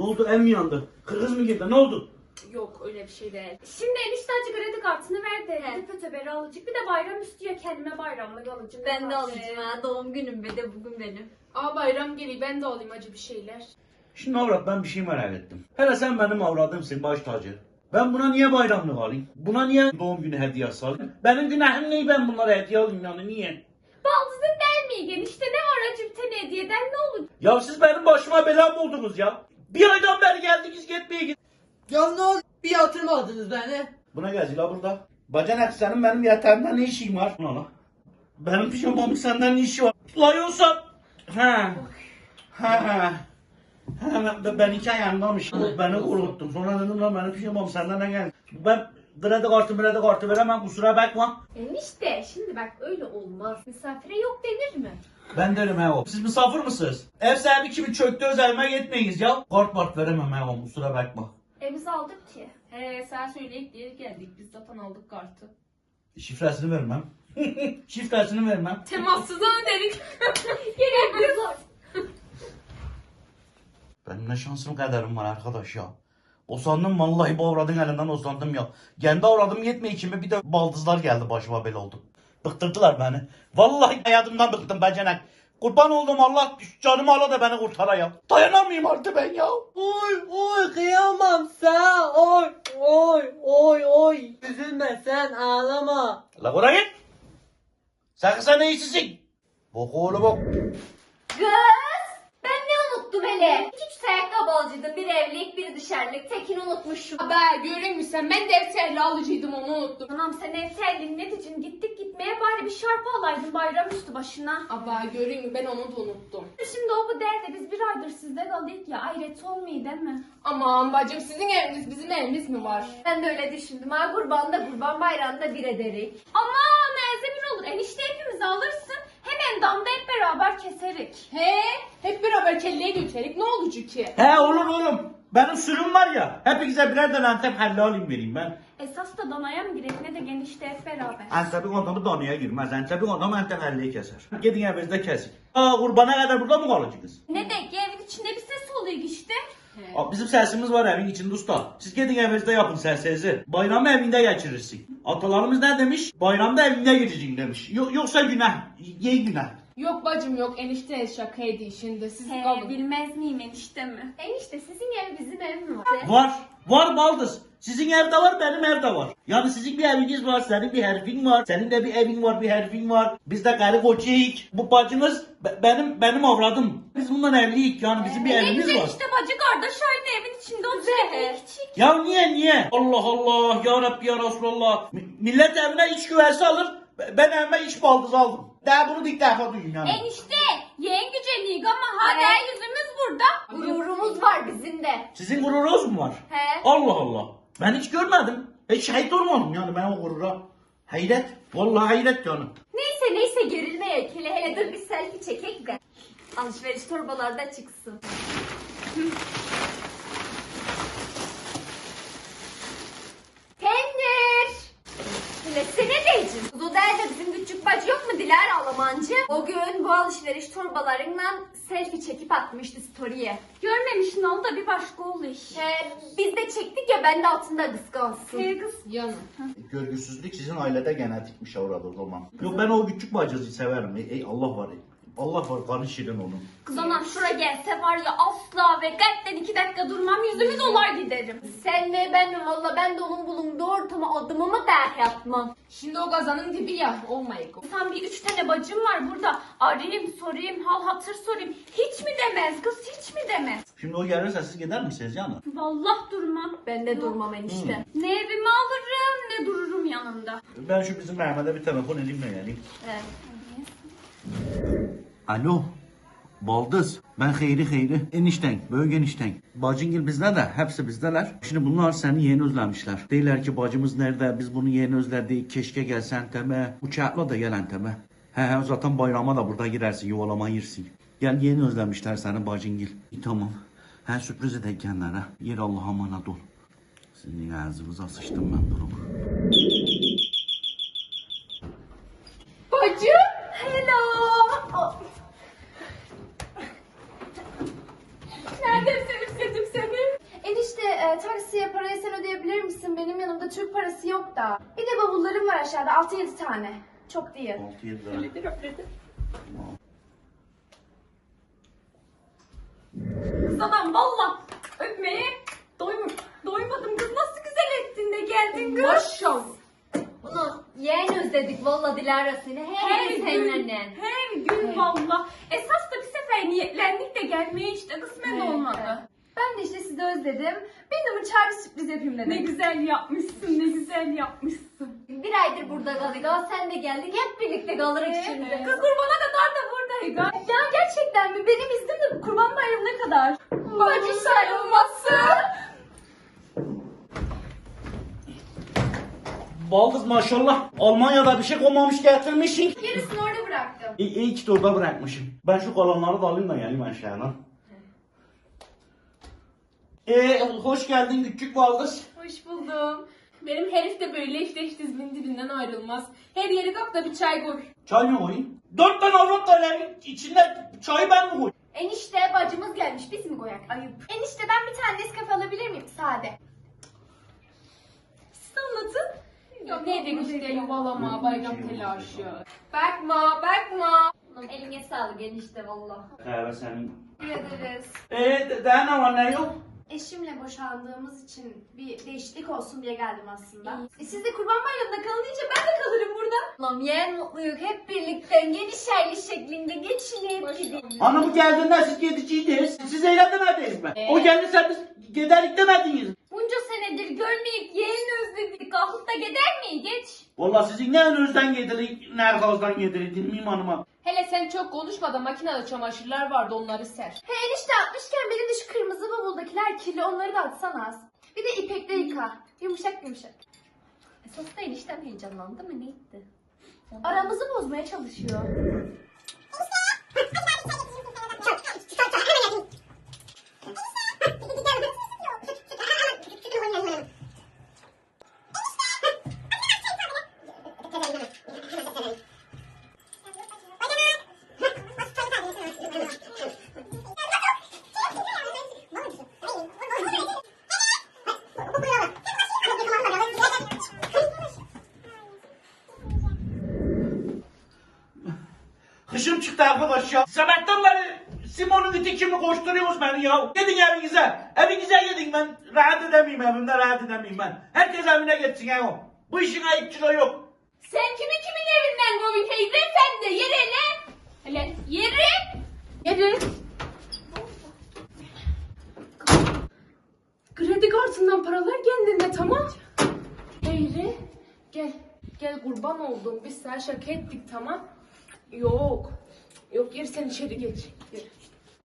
oldu, ev mi yandı? Kırgız mı girdi, ne oldu? Yok öyle bir şey değil. Şimdi enişte acı kredi kartını ver de öteberi alacak. Bir de bayram üstüye kendime bayramlık alacağım. Ben de alacağım ha. Doğum günüm ve de bugün benim. Aa bayram geliyor, ben de alayım acı bir şeyler. Şimdi avrat, ben bir şey merak ettim. Hele sen benim avradımsın, baş tacı. Ben buna niye bayramlık alayım? Buna niye doğum günü hediyesi alayım? Benim günahım ne, ben bunlara hediye alayım yani, niye? Baldızın der mi enişte, ne var acı bir tane hediyeden, ne olur? Ya siz benim başıma bela mı oldunuz ya? Bir aydan beri geldiniz gitmeye git. Ya ne oldu? Bir yatırmadınız beni. Buna gel la burada. Bacanak, senin benim yatağımda ne işin var? La. Benim pijamamın senden ne işi var? La yoksa... Ha. Ben iki ayağımdamış. Beni korkuttun. Sonra dedim lan benim pijamam senden ne geldi? Ben kredi kartı veremem, kusura bakma. Enişte şimdi bak öyle olmaz. Misafire yok denir mi? Ben derim he o. Siz misafir misiniz? Ev sahibi kimi çöktü, özelime gitmeyiz ya. Kart veremem he o, kusura bakma. Biz aldık ki. Sen söyleyip diye geldik. Biz zaten aldık kartı. Şifresini vermem. Şifresini vermem. Temassız ödedik. Gelebiliriz. Benim ne şansım kaderim var arkadaş ya. Usandım vallahi, bu avradın elinden usandım ya. Kendi avradım yetmiyor kimi, bir de baldızlar geldi başıma, bel oldu. Bıktırdılar beni. Vallahi hayatımdan bıktım bacanak. Kurban oldum, Allah canımı ala da beni kurtara ya. Dayanamayayım artık ben ya. Oy kıyamam sana. Oy. Üzülme sen, ağlama. La oraya git. Sen ne işsisin? Bok oğlu bok. Kız! Ben ne unuttum hele? İki ayakkabı alacaktım. Bir evlilik, bir dışarılık. Tekini unutmuşum. Haber görür müsün? Ben defterli alıcıydım, onu unuttum. Anam sen evselliğin ne diyeceksin? Gittik gitmeye bari bir şarpı alaydın bayram üstü başına. Haber görür mü? Ben onu da unuttum. Şimdi o bu derdi, biz bir aydır sizde kaldık ya. Ayret olmuyor değil mi? Aman bacım, sizin eviniz bizim evimiz mi var? Ben de öyle düşündüm. Ha kurban da kurban, bayramda bir ederik. Aman Elzemin olur. Enişte hepimiz alırsın. Hemen damda hep beraber keserik. Hep beraber kelleye götürerik. Ne olacak ki? He olur oğlum. Benim sürüm var ya. Hepinize birer tane Antep helli alayım vereyim ben. Esas da danaya mı girek ne de genişte hep beraber. Antep'in adamı danaya girmez. Antep'in adamı Antep helliyi keser. Gidin evinizde kesin. Kurbana kadar burada mı kalacaksınız? Ne de ki evin içinde bir ses oluyor işte. Bizim sesimiz var evin içinde usta. Siz gidin evinizde yapın sesinizi. Bayramı evinde geçirirsin. Atalarımız ne demiş? Bayramda evinde geçeceksin demiş. Yoksa günah. Ye günah. Yok bacım yok. Enişte şakaydı şimdi. Siz kalın. Bilmez miyim enişte mi? Enişte sizin ev bizim ev mi var? Var baldız. Sizin evde var, benim evde var. Yani sizin bir eviniz var, senin bir herifin var. Senin de bir evin var, bir herifin var. Biz de karı kocayık. Bu bacınız benim avradım. Biz bundan evliyik, yani bizim bir evimiz var. İşte bacı kardeş aynı evin içinde oturuyor. Ya niye? Allah Allah, ya Rabbi ya Resulallah. Millet evine iç güvesi alır. Ben evime iç baldız aldım. Daha bunu ilk defa duyuyorum yani. Enişte yeğen güceniyik ama hala yüzümüz burada. Gururumuz var bizim de. Sizin gururunuz mu var? He. Allah Allah. Ben hiç görmedim. Hiç şahit olmadım yani ben o gurura. Hayret. Vallahi hayret yani. Neyse gerilmeye hele dur bir selfie çekek de. Alışveriş torbalarda çıksın. Pendir. Diletsene diyeceğim. O derdi bizim küçük bacı yok mu Dilara Almancı? O gün bu alışveriş torbalarından selfie çekip atmıştı story'e. Görmemişsin onu da bir başka oldu iş. Biz de çektik ya, ben de altında kıskansın. Kız. Yanım. Görgüsüzlük sizin ailede genetikmiş orada o zaman. Yok, ben o küçük bacızı severim. Allah var. Allah var, kanı şirin onun. Kız anam şura gelse var ya asla ve kalpten 2 dakika durmam, yüzümü dolar giderim. Sen mi ben mi valla, ben de onun bulunduğu ortama adımımı dahi atmam. Şimdi o gazanın dibi ya. Olmayık. Sen bir 3 tane bacım var burada. Arayayım sorayım, hal hatır sorayım. Hiç mi demez kız, hiç mi demez? Şimdi o gelirse siz gider misiniz yani? Vallahi durmam. Ben de durmam enişte. Ne evimi alırım ne dururum yanında. Ben şu bizim Mehmet'e bir telefon elimle geleyim. Evet. Alo. Baldız. Ben Hayri. Enişten. Büyük enişten. Bacıngil bizde de. Hepsi bizdeler. Şimdi bunlar seni yeni özlemişler. Deyirler ki bacımız nerede? Biz bunu yeni özledik. Keşke gelsen teme. Uçakla da gelen teme. He zaten bayrama da burada girersin. Yuvalama yersin. Gel, yeni özlemişler seni bacıngil. Tamam. He sürpriz edek kenara. Yer Allah'a emanet ol. Senin ağzınıza sıçtım ben durumu. Bacım. Hello. Nereden sevim seni? benim yanımda Türk parası yok da. Bir de bavullarım var aşağıda 6-7 tane. Çok değil. 6-7 lira. Kız adam valla öpmeye doymadım kız. Nasıl güzel ettin de geldin kız. Maşallah. Bunu yeğen özledik valla Dilara seni. Her gün seninle. Her gün valla. Esas da bir sefer niyetlendik de gelmeye işte kısmet olmadı. Ben de işte sizi özledim. Bir de çağrı sürpriz yapayım dedim. Ne güzel yapmışsın, ne güzel yapmışsın. Bir aydır burada kalıyor. Sen de geldin. Hep birlikte kalırız şimdi. Kız kurbana kadar da buradaydı. Ya gerçekten mi? Benim iznim de kurban bayramına kadar. Bacı sayılması. Baldız maşallah. Almanya'da bir şey koymamış getirmişsin. Gerisini orada bıraktım. İyi ki de orada bırakmışım. Ben şu kalanları da alayım da geleyim aşağıya. Hoş geldin küçük baldız. Hoş buldum. Benim herif de böyle işte hiç dizimin dibinden ayrılmaz. Her yeri kalk da bir çay koy. Çay mı koyayım? 4 tane avrat var evin içinde çayı ben mi koyayım? Enişte bacımız gelmiş. Biz mi koyak? Ayıp. Enişte ben bir tane Nescafe alabilir miyim? Sade. Siz anlatın. Ya ne demek işte yuvalama, bayram telaşı. Bakma. Eline sağlık enişte valla. Kahve senin. Teşekkür ederiz. Daha ne var ne yok? Eşimle boşandığımız için bir değişiklik olsun diye geldim aslında. Siz de kurban bayramında kalın deyince ben de kalırım burada. Lan yeğen mutluyuk hep birlikte geniş yerli şeklinde geçinip gidelim. Hanımı geldiğinde siz gideceğiz. Siz eğlenmediniz mi? O gelirse biz giderik demediniz. Bunca senedir görmeyip yeğen özledik. Kalkıp da gider miyiz geç? Vallahi sizin ne önünüzden getirik, ne arkanızdan getirik bilmeyeyim hanıma. Hele sen çok konuşma da makinede çamaşırlar vardı onları ser. He enişte atmışken benim de şu kırmızı bavuldakiler kirli onları da atsana az. Bir de ipekle yıka. Yumuşak. Esas da eniştem heyecanlandı mı neydi? Aramızı bozmaya çalışıyor. Kışım çıktı arkadaş ya. Sabahtan beri Simon'un iti kimi koşturuyorsunuz beni ya. Gidin evinize. Evinize gidin ben. Rahat edemeyim evimde rahat edemeyim ben. Herkes evine gitsin ya. Bu işin ayıpçılığı yok. Sen kimin evinden Gobi teyze sen de yere ne? Hele yere. Kredi kartından paralar kendinde tamam. Eğri gel kurban oldum biz sana şaka ettik tamam. Yok gir sen içeri geç. Gir.